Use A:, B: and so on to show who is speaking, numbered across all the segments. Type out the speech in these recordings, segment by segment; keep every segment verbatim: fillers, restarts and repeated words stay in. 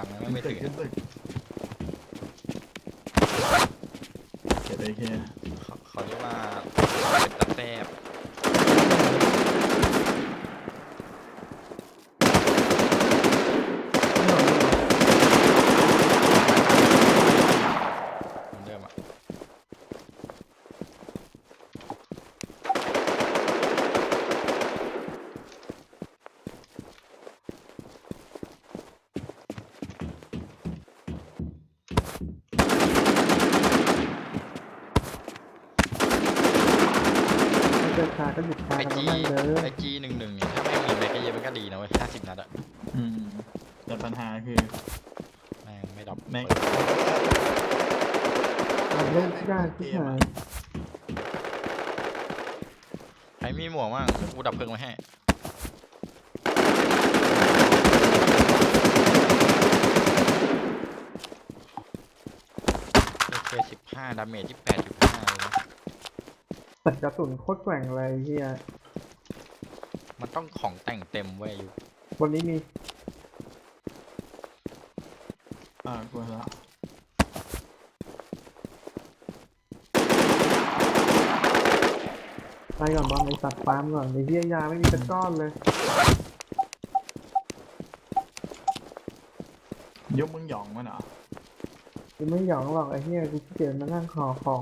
A: ยังไม่ถึง
B: ขึ้นตึกเก็บได้แค่
A: เขาเขาเรียกว่าเป็นตะแซบเดิมอ่ะ
C: เดินขาก็หยุดขา
A: ไอ
C: กัน
A: จี
C: บ้างเลย
A: ไอจีหนึ่งหนึ่งเนี่ยถ้าไม่มีแบกเกอร์มันก็ดีนะเว้ยห้าสิบนัดอะ
B: อืมแต่ปัญหาคือ
A: แม่งไม่ดับ
B: แม็ก
C: มันเล่นยากที่หาย
A: ใครมีหมวกบ้างกูดับเพลิงไว้ให้โอเคสิบห้าดาเมจที่แปดจุดห้าเลยนะ
C: แต่กระสุนโคตรแกว่งเลยเฮีย
A: มันต้องของแต่งเต็มเว้ยอยู่
C: วันนี้มี
B: อ่ากูละ
C: ไปก่อนบอลไอสัตว์ฟาร์มก่อนไอเฮียยาไม่มีสักก้อนเลย
B: ยกมึงหยองมันเหรอ
C: กูไม่หยองหรอกไอเฮียกูขี้เกียจมานั่งขอของ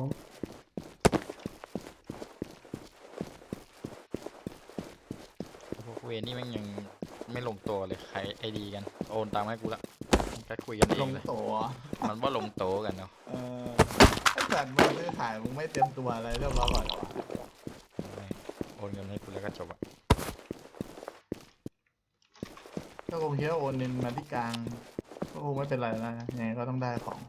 A: พวกเวรนี่แม่งยังไม่ลงตัวเลยใครไอดีกันโอนตามให้กูละก็คุยกันเอ
B: ล
A: ง
B: ง
A: เลย
B: โตอ่ะ
A: มันว่าลงโตกันเนาะ
B: เออไอ้สัตว์มึงซื้อขายมึงไม่เตรียมตัวอะไรเรียบร้อยก่อนเหรอวะ
A: โอนเงินให้กูแล้วก็จบอะ
B: ก็คงคิดว่าโอนเงินมาที่กลางก็คงไม่เป็นไรนะยังไงก็ต้องได้ของ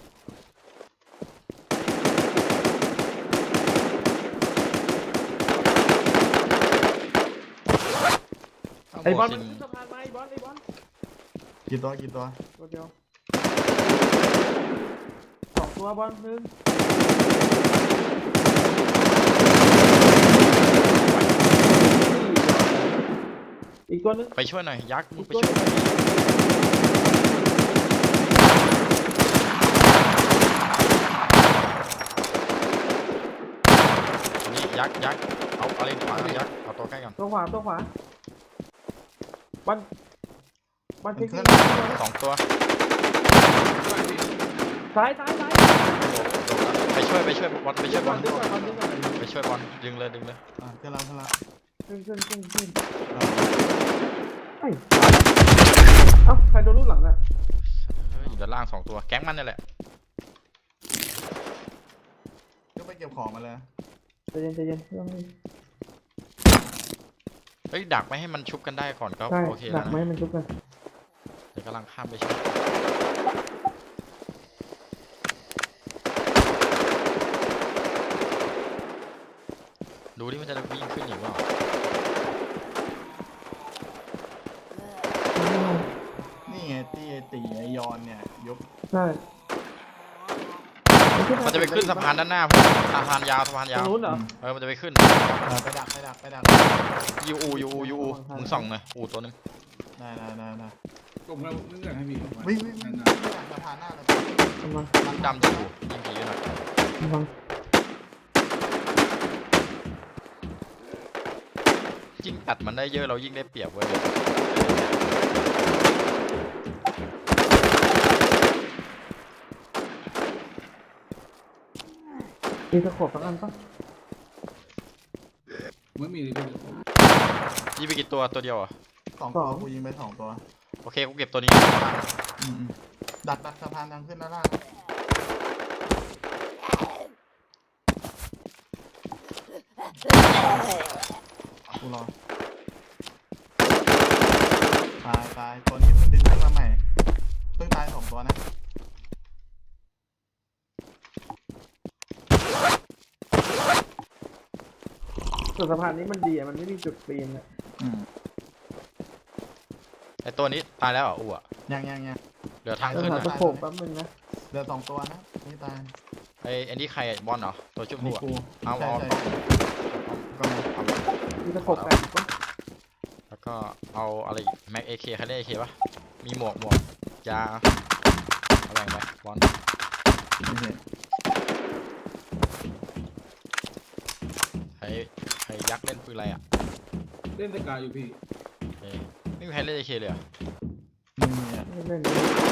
C: ไอบอล
A: ซิ
C: มัน
A: ง
C: ขึ้นสะพานมาไอบอลไอบอล
B: กี่ตัวกี่ตัว
C: ตัวเดียวสองตัวบอลหนึ่งอีกตัวนึง
A: ไปช่วยหน่อยยักษ์มึงไปช่วยหน่อยนี่ยักษ์ยักษ์เอาอะไรขวายักษ์เอาตัวใกล้ก่อน
C: ตัวขวาตัวขวาบอลบอลเช็คดี
A: สองตัว
C: ซ้ายซ้ายซ้าย
A: ไปช่วยไปช่วยบอลไปช่วยบอล
C: ดึงก่อนดึงก่อน
A: ไปช่วยบอลดึงเลยดึงเลย
B: อ่ะกำลังกำลัง
C: ขึ้นขึ้นขึ้นขึ้น
B: อ่ะ
C: ไอ้เอ้าใครโดนลูกหลังอ่ะ
A: เฮ้ยอยู่ด้านล่างสองตัวแก๊งมันนี่แหละ
B: ก็ไปเก็บของมาเลย
C: ใจเย็นใจเย็นเรื่องนี้
A: เฮ้ยดักไม่ให้มันชุบกันได้ก่อนก็
C: ใช่
A: โอเค
C: ดั
A: แล้ว
C: กไหม
A: นะ
C: มันชุบกัน
A: เดี๋ยวกำลังข้ามไปช่วยดูดิมันจะวิ่งขึ้นอีกเปล่า
B: นี่ไงตีไอตีไอยอนเนี่ยยก
C: ใช่
A: มันจะไปขึ้นสะพานด้านหน้าพี่สะพานยาวสะพาน
C: ตร
A: ยาง ว
C: นู้นเหรอ
A: เออมันจะไปขึ้น
B: เออไปดักไปดักไปดัก
A: ยูอูยูอูยูอูมึงส่องหน่อยอูตัวนึง
B: ได้ได้ได้ได้
D: ผมก็นึกอยากให้มี
B: วิ่งวิ่งวิ่งสะพานหน้าเลย
C: กำลัง
A: มึงดำจะอูยิงผีหน่อย
C: กำลัง
A: ยิ่งอัดมันได้เยอะเรายิ่งได้เปรียบเว้ย
C: มีตะขบสักอันปะ
D: ไม่มีเลยพี่
A: ยิงไปกี่ตัวตัวเดียวอ่ะ
B: สองตัวกูยิงไปสองตัว
A: โอเคกูเก็บตัวนี้
B: อืมดักดักสะพานทางขึ้นด้านล่างกูรอตายตายตัวนี้เพิ่งดึงขึ้นมาใหม่เพิ่งตายสองตัวนะ
C: ส่วนสะพานนี้มันดีอ่ะมันไม่มีจุดปีนอ่ะ
B: อืม
A: ไอตัวนี้ตายแล้วเหรออูอ่ะ
B: ยังยังยัง
A: เหลือทาง
C: ต้อง
A: ขึ้น
C: หา
A: อ่ะ
C: ตะขบแป๊บนึงนะ
B: เหลือสองตัวนะไม่ตาย
A: ไอไอนี่ใครบอลเหรอตัวชุบ
B: นี่
A: อูอ่ะ
B: กู
A: เอา
B: ใช่
A: เอา
B: ใช่
A: ก็เอา
C: มีตะขบแปดปะ
A: แล้วก็เอาอะไรแม็กเอเคใครได้เอเคปะมีหมวกหมวกยาเอาแบ่งไปบอล
B: โอเค
A: ใครใครยักษ์เล่นปืนอะไรอ่ะ
D: เล่นสกายอยู่พี่
A: เอ้ยไม่มีใครเล่นเอเคเลยเหรอ
B: ไม่มีอ่ะ
C: ไม่เล่น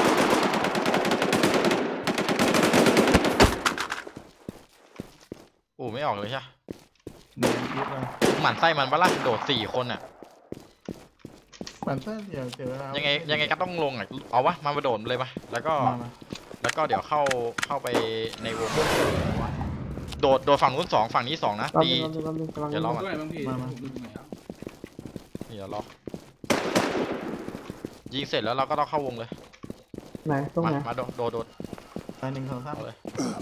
A: โอ้ไม่ออกเลยใช่ปะ
B: เดินคิดเลย
A: หมั่นไส้มันปะล่ะโดดสี่คนอ่ะ
B: มันเส้นเดียวเจอแล้ว
A: ยังไงยังไงก็ต้องลงอ่ะเอาวะมามาโดดเลยปะแล้วก็
B: มามา
A: แล้วก็เดี๋ยวเข้าเข้าไปในวงโดดโดดฝั่งนู้นสองฝั่งนี้สองนะ
C: รอบ
A: ตี
C: นึงรอบนึงรอบนึงกำลัง
A: เดี๋ยวรอ
D: ตรงไหนบ้างพี่ผมดูตรงไหนครับ
A: นี่เดี๋ยวรอยิงเสร็จแล้วเราก็ต้องเข้าวงเลย
C: ไหนตรง
A: มา
C: ไหน
A: มาโดดโดดโดด
B: ไปหนึ่งสองสาม
A: เอาเลย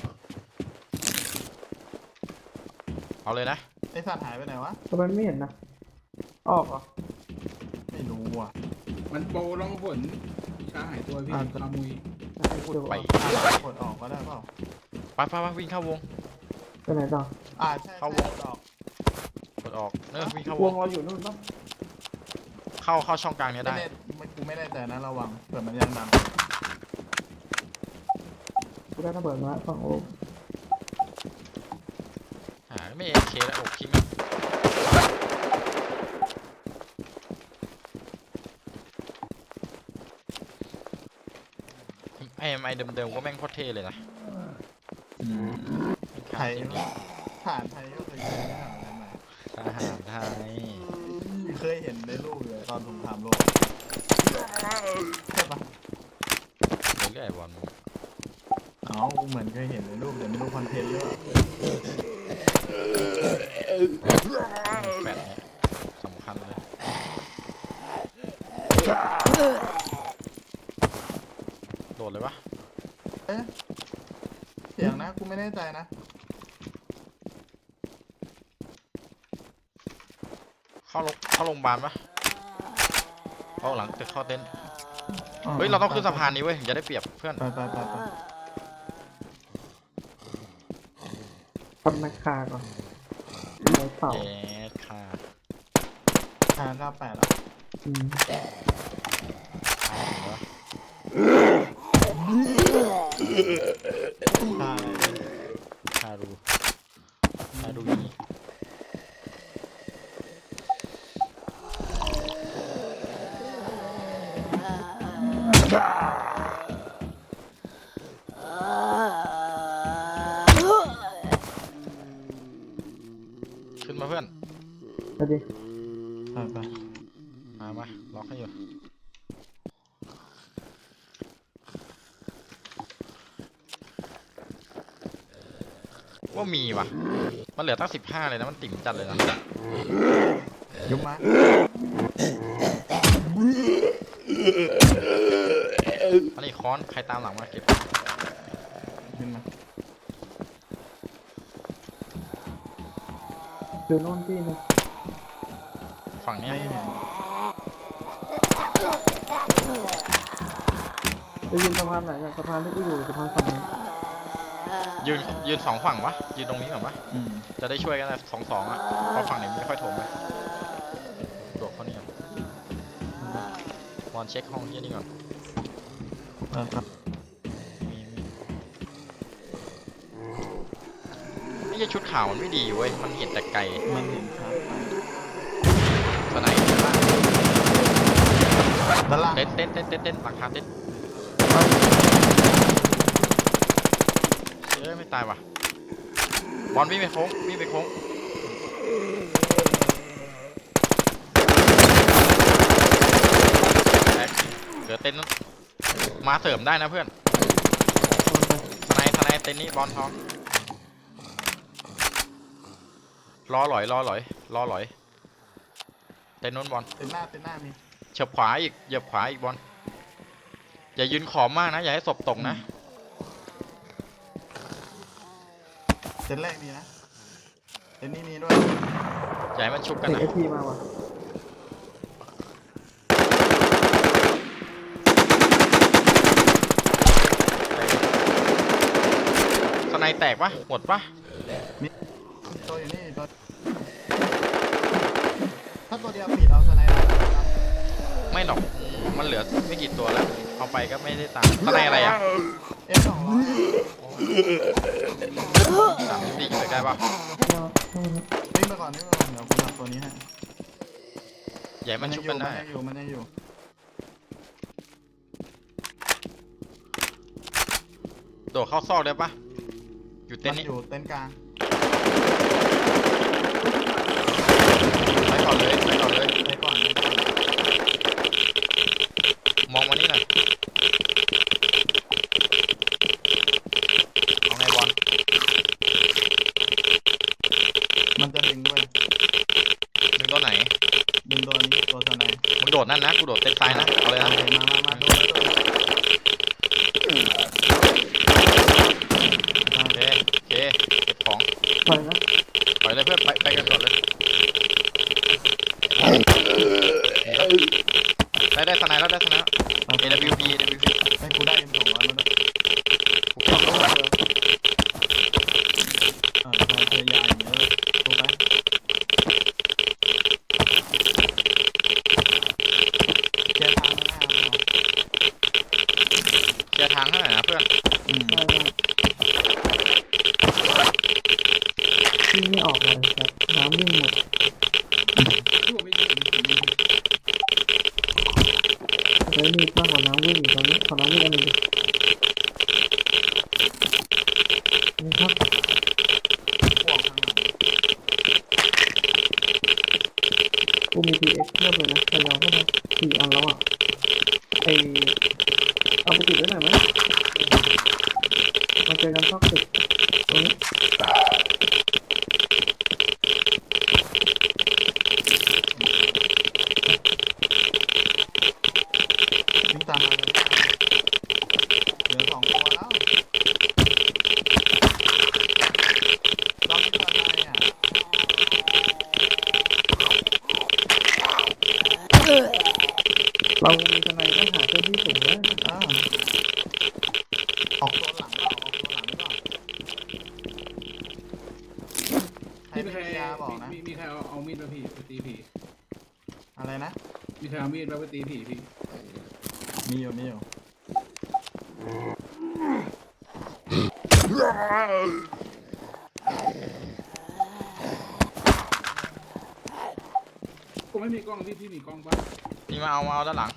A: เอาเลยนะ
B: ไอสัตว์หายไปไหนวะ
C: ทำไมไม่เห็นนะออกเหรอ
B: ไม่รู้อ่ะ
D: มันโปรร้องผลวิชาหายตัวพี่
B: อ่า
D: คามุย
C: เดี๋ยว
A: ไป
B: อ่ะกดออกก็ได้เปล่า
A: ไปไปไปวิ่งเข้าวง
C: ไปไหนต่อ
B: อ่าใช่
A: เข้า
B: ใช่
A: วง
B: กดออก
A: กดออกเนอะวิ่งเข้าว
C: ว
A: ง
C: งเราอยู่นู่นปะ
A: เข้าเข้าช่องกลางเนี้ย
B: ไม่
A: ได้
B: แน่ไม่กูไม่แน่ใจนะระวังเผื่อมันยังดัง
C: กูได้ระเบิดมาสองลูก
A: หาไม่เอเคแล้วโอ้คิงไอเอ็มไอเดิมๆก็แม่งโคตรเท่เลยนะ
B: ไทยผ่านไทยก็เคยเจอไม่ผ่านอะไรมา
A: ทหารไทย
B: เคยเห็นในรูปเลยตอนสงครามโลกใช่ปะ
A: เรื่อยๆบอล
B: เอ้าเหมือนเคยเห็นในรูปแต่ไม่รู้คอนเทนต์หรือเปล่า
A: แปดเนี่ยสำคัญเลยโดดเลยวะ
B: เอ๊ะเสียงนะกูไม่แน่ใจนะ
A: เข้าโรงเข้าโรงพยาบาลปะเข้าหลังตึกเข้าเต็นท์
B: อ๋อ
A: เฮ้ยเราต้องขึ้นสะพานนี้เว้ยถึงจะได้เปรียบเพื่อน
B: ไปไปไปไป
C: ทำนาคาก่อนไปเป่า
A: เย้ค่ะ
B: ทางเก้าแปดแล้ว
C: อืม
B: ทางอะไรเนี่ย
A: คารูคารูนี่ขึ้นมาเพื่อน
C: ไปดิ
B: ไปไป
A: มามาล็อกให้อยู่ว่ามีว่ะมันเหลือตั้งสิบห้าเลยนะมันติ่มจัดเลยนะ
B: ยุบมา
A: อันนี้ค้อนใครตามหลังมาเก็บ
B: ขึ้นมา
C: อยู่โน่นที่นึง
A: ฝั่งเนี้ย
B: ไม่เห็น
C: จะยืนสะพานไหนอะสะพานที่กูอยู่สะพานฝั่งนี้
A: ยืนยืนสองฝั่งวะยืนตรงนี้ก่อนวะ
B: อืม
A: จะได้ช่วยกันนะสองสองอ่ะเพราะฝั่งไหนไม่ค่อยถมเลยโดดเข้านี่ก่อนบอลเช็คห้องที่นี่ก่อน
B: ไปไป
A: มีมีไม่ใช่ชุดขาวมันไม่ดีเว้ยมันเห็นแต่ไกล
B: มันเห็นชัดไป
A: สไนด์ด้านล่าง
B: ด้านล่าง
A: เต้นเต้นเต้นเต้นเต้นหลังคาเต้นเอ้ยไม่ตายว่ะบอลวิ่งไปโค้งวิ่งไปโค้งแท็กเหลือเต้นนั้นมาเสริมได้นะเพื่อนสไนด์สไนด์เต้นนี้บอลทองรอหลอยรอหลอยรอหลอยเต้นนู้นบอล
B: เต็นหน้าเต็นหน้ามี
A: เฉียบขวาอีกเหยียบขวาอีกบอลอย่ายืนขอบมากนะอย่าให้ศพตกนะ
B: เต็นแรกมีนะเต็นนี้มีด้วย
A: อย่าให้มันชุบกัน
C: เด็ก
A: นะ
C: เอทีมาว่ะ
A: สไนด์แตกปะหมดปะ
B: ตัวอยู่นี่ตัวถ้าตัวเดียวปิดเอาสไนด์ได้ครับ
A: ไม่หรอกอืมมันเหลือไม่กี่ตัวแล้วเอาไปก็ไม่ได้ตังค์ข้างในอะไรอ่ะ
B: เอฟสองร้อย
A: สามสิบสี่ยิงใกล้ๆป่ะ
B: วิ่งไปก่อนวิ่งไปก่อนเดี๋ยวกูจับตัวนี้ให้
A: ใหญ่มัน
B: ยั
A: ชุบ
B: อยู่
A: มัน
B: มัน
A: ได้
B: ยังอยู่มันยังอยู่
A: โดดเข้าซอกได้ปะอยู่เต็
B: มัน น
A: ท์นี้
B: อยู่เต็นท์กลาง
A: ไปก่อนเลยไปก่อนเลย
B: ไปก่อนไปก่อน
A: มองมานี่หน่อยเอาไงบอล
B: มันจะดึงเว้ย
A: ดึงตัวไหน
B: ดึงตัวนี้ตัวสไนด์
A: มึงโดดนั่นนะกูโดดเต็นท์ซ้ายนะเอาเลยนะ
B: โอเคมามามาโดนโดน
A: โอเคโอเคเก็บของ
C: ปล่อยนะ
A: ปล่อยเลยเพื่อนไปไปกันก่อนเลยได้ได้สไนด์แล้วได้สไนด์แล้ว
B: โอเค
A: เอ ดับเบิลยู พี เอ ดับเบิลยู พี
B: ให้กูได้เอ็มสองร้อยมาด้วย
A: กูเก็บลงไป
B: อ่าพอพยายามอย่างเงี้ยเลยดูไปแกทางข้างหน้ามันเหรอ
A: เคลียร์ทางให้หน่อยนะเพื่อน
B: อืม
C: ได้ได้วิ่งไม่ออกเลยครับน้ำวิ่งหมด
D: ที่ผมไม่ยิงผมยิง
C: ใช้มีดมากกว่าน้ำวิ่งอีกตอนนี้ขอน้ำวิ่งอันหนึ่งดินี่ครับ
B: พวกข้างหลัง
C: กูมี พี เอ็กซ์ เทียบเลยนะพยายามเข้ามาสี่อันแล้วอ่ะไอเอาไปติดไว้หน่อยไหมมาเจอกันซอกตึกตรงนี้
B: วิ่งตามมาเลยเหลือสองตัวแล้วเราไม่ทำอะไรอ่ะ
C: เรามีทนายต้องหาเจ้าที่สูงนะ
B: อ่าออกตัวหลังเปล่าออกตัวหลังหรือเปล่าใคร
D: พี่
B: ไม่
D: ใคร
B: มียาบอกนะ
D: มีมีใครเอาเอามีดมาพี่ไปตีผี
B: อะไรนะ
D: มีใครเอามีดมาไปตีผีพี่
B: มีอยู่มีอยู่
D: กูไม่มีกล้องพี่พี่มีกล้องปะ
A: นี่มาเอามาเอาด้านหลัง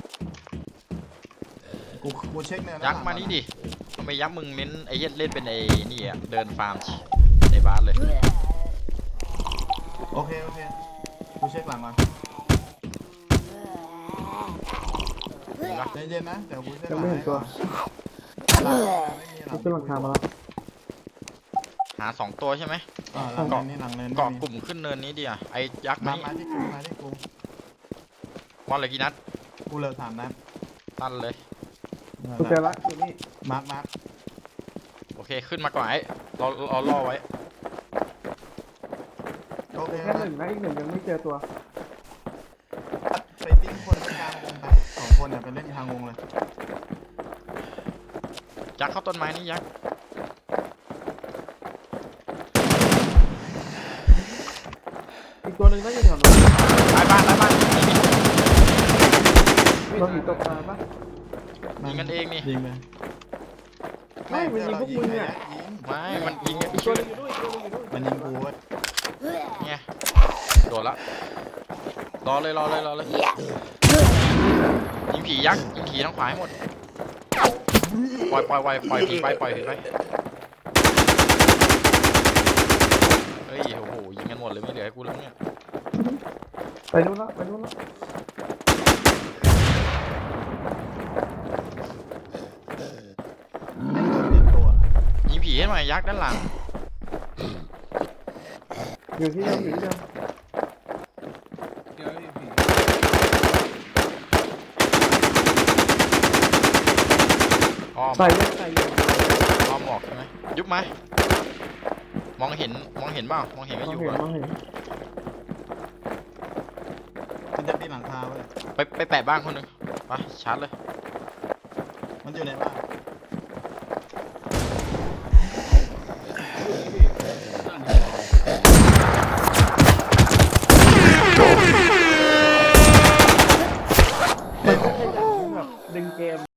B: กูกูเช็คเนื้อ
A: ยักษ์มานี่ดิทำไมยักษ์มึงเน้นไอ้เหี้ยเล่นเป็นไอ้นี่อ่ะเดินฟาร์มในบ้านเลย
B: โอเคโอเคกูเช็คหลังก่อน
A: เห็นปะ
B: ใจเย็นนะเดี๋ยวกูเช็คห
C: ยั
B: ลั
C: ง
B: ง
C: ไม่เห็นตัว
B: หลังไม่มีหลั
C: กู
B: ง
C: ขึ้นหลังคามาแล้ว
A: หาสองตัวใช่ไหม
B: อ่าหลังเนินนี่หลังเนิน
A: เกาะ
B: ไม่
A: กลุ่มขึ้นเนินนี้ดิอ่ะไอ้ยักษ์
B: มี
A: มา
B: มา
A: นี่
B: มาที่กูมาที่กู
A: บอลเหลยกี่นัด
B: กูเหลือสามนัด
A: ตันเลย
C: กูเจอละอยู่นี่
B: มาร์คมาร์ค
A: โอเคขึ้นมาก่อนไอ้เราเราล่อไว้
B: โอเค
C: แค่หนึ่งนะอีกหนึ่งยังไม่เจอตัว
B: ไปติ้งคนไปกลางวงไปสองคนเนี่ยไปเล่นทางวงเลย
A: ยักษ์เข้าต้นไม้นี่ยักษ์
C: อีกตัวหนึ่งน่าจะแถวนู้น
A: ตายบ้านตายบ้านนี่นี่
C: เราหนีตกปลาปะ
A: ยิงกันเองนี่
B: ยิงเลย
C: ไม่มันยิงพวกมึงเนี่ย
B: ยิง
A: ไม่มันยิง
C: อีกตัวหนึงอยู่ด้วยอีกตัวหนึงอยู่ด้วย
B: มันยิงกูเว้ย
A: ไงโดดละรอเลยรอเลยรอเลยยิงผียักษ์ยิงผีทางขวาให้หมดปล่อยปล่อยปล่อยปล่อยผีไปปล่อยผีไปเฮ้ยโอ้โหยิงกันหมดเลยไม่เหลือให้กูแล้วเนี่ย
C: ไปนู้นละไปนู้นละ
B: ไม่โดนเปลี่ยนตัว
A: ยิงผีให้หน่อยยักษ์ด้านหลัง
C: อยู่ที่เดิมอยู่ที่เดิม
D: เดี๋ยวพี่ผี
A: อ้อม
C: ใส่ยังใส่ยัง
A: อ้อมหมอกใช่ไหมยุบไหมมองเห็นมองเห็นเปล่ามองเห็น
C: ม
A: ก็
C: อง
A: อยู่
C: เห็น
A: อะ
C: มองเห็น
B: มันจะปีนหลังคาเว้ย
A: ไปไปแปะบ้านคนหนึ่งไปชาร์จเลย
B: มันอยู่ในบ้าน